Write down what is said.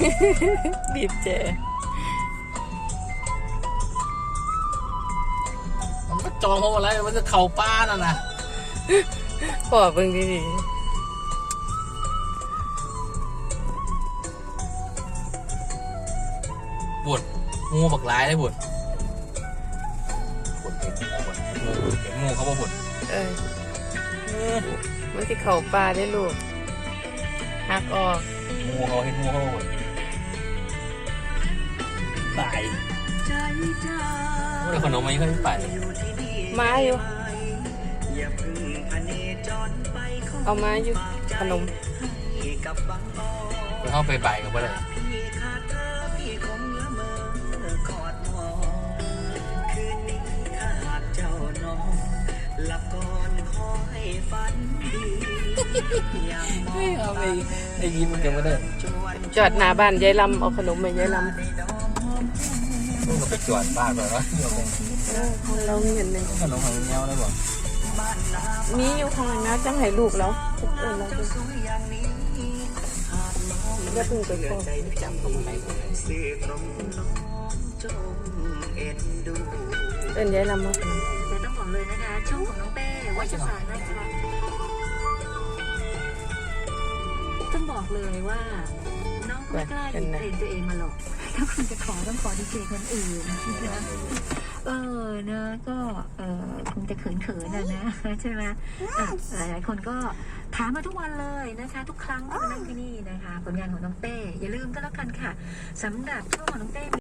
บีบแจมันก็จองเพราะอะไรมันจะเข่าป้าน่ะนะพอเบิ่งดีปวดงูบักร้ายได้ปวดเห็นงูเขาบอกปวดมันที่เข่าปลาได้ลูกหักออกงูเขาเห็นงูเขาบอกปวดตายว่าขนมมันยังไม่ไปมาอยู่เอามาอยู่ขนมเข้าไปบ่ายกับอะไรไม่เอาไปยิ้มมันยังไม่ได้จอดหน้าบ้านยายลำเอาขนมมายายลำลูกก็ไปจอดบ้านแบบว่าของเราเห็นเลยขนมของเงี้ยได้บ่มีอยู่ข้างในนะจังให้ลูกแล้วเราจะพึ่งไปก่อนจำตรงไหนเป็นยายลำมาแต่ต้องบอกเลยนะคะช่องของน้องเป้วัชสารนะคะต้องบอกเลยว่าน้องไม่กล้าหยิบเพลงตัวเองมาหรอกถ้าคุณจะขอต้องขอดีเจคนอื่นนะนะก็คงจะเขินๆนะใช่ไหมหลายๆคนก็ถามมาทุกวันเลยนะคะทุกครั้งที่มานั่งที่นี่นะคะผลงานของน้องเป้อย่าลืมก็แล้วกันค่ะสำหรับช่วงของน้องเป้